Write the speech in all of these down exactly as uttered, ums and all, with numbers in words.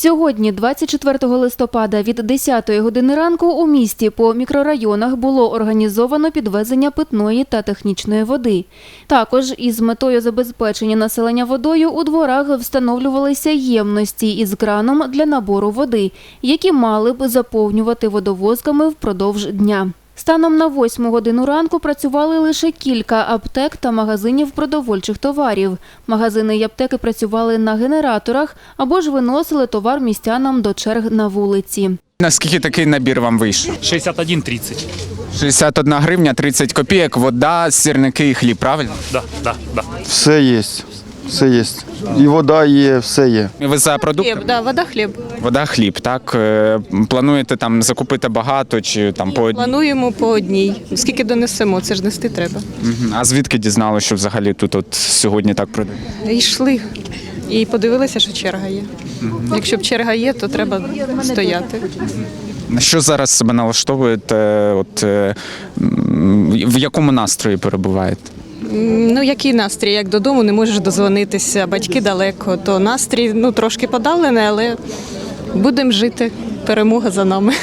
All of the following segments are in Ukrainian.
Сьогодні, двадцять четвертого листопада, від десятої години ранку у місті по мікрорайонах було організовано підвезення питної та технічної води. Також із метою забезпечення населення водою у дворах встановлювалися ємності із краном для набору води, які мали б заповнювати водовозками впродовж дня. Станом на восьму годину ранку працювали лише кілька аптек та магазинів продовольчих товарів. Магазини й аптеки працювали на генераторах або ж виносили товар містянам до черг на вулиці. Наскільки такий набір вам вийшов? шістдесят один тридцять. шістдесят одна гривня, тридцять копійок, вода, сірники і хліб, правильно? Да, да, да. Все є, все є. І вода є, все є. Ви за продукти? Хліб, да, вода, хліб. Вода, хліб, так? Е, Плануєте там закупити багато чи там по одній? Плануємо по одній. Скільки донесемо, це ж нести треба. Мгм. А звідки дізналися, що взагалі тут от сьогодні так продають? Йшли і подивилися, що черга є. Якщо б черга є, то треба стояти. На що зараз себе налаштовуєте? От, е, м, в якому настрої перебуваєте? М, Ну, який настрій? Як додому не можеш дозвонитися, батьки далеко, то настрій ну, трошки подавлений, але будемо жити. Перемога за нами.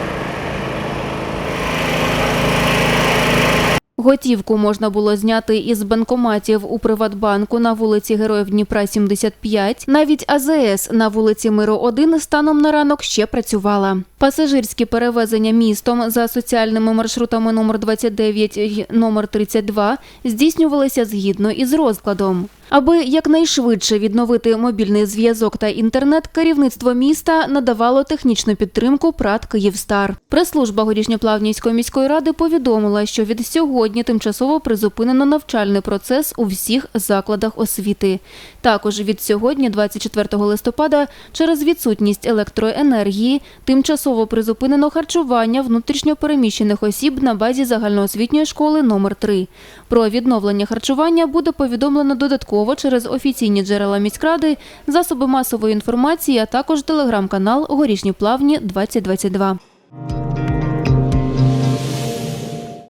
Готівку можна було зняти із банкоматів у Приватбанку на вулиці Героїв Дніпра, сімдесят п'ять. Навіть А З С на вулиці Миру один станом на ранок ще працювала. Пасажирські перевезення містом за соціальними маршрутами номер двадцять дев'ять і номер тридцять два здійснювалися згідно із розкладом. Аби якнайшвидше відновити мобільний зв'язок та інтернет, керівництво міста надавало технічну підтримку ПРАТ «Київстар». Прес-служба Горішньоплавнівської міської ради повідомила, що від сьогодні тимчасово призупинено навчальний процес у всіх закладах освіти. Також від сьогодні, двадцять четвертого листопада, через відсутність електроенергії, тимчасово призупинено харчування внутрішньо переміщених осіб на базі загальноосвітньої школи номер три. Про відновлення харчування буде повідомлено додатково через офіційні джерела міськради, засоби масової інформації, а також телеграм-канал «Горішні Плавні двадцять двадцять два».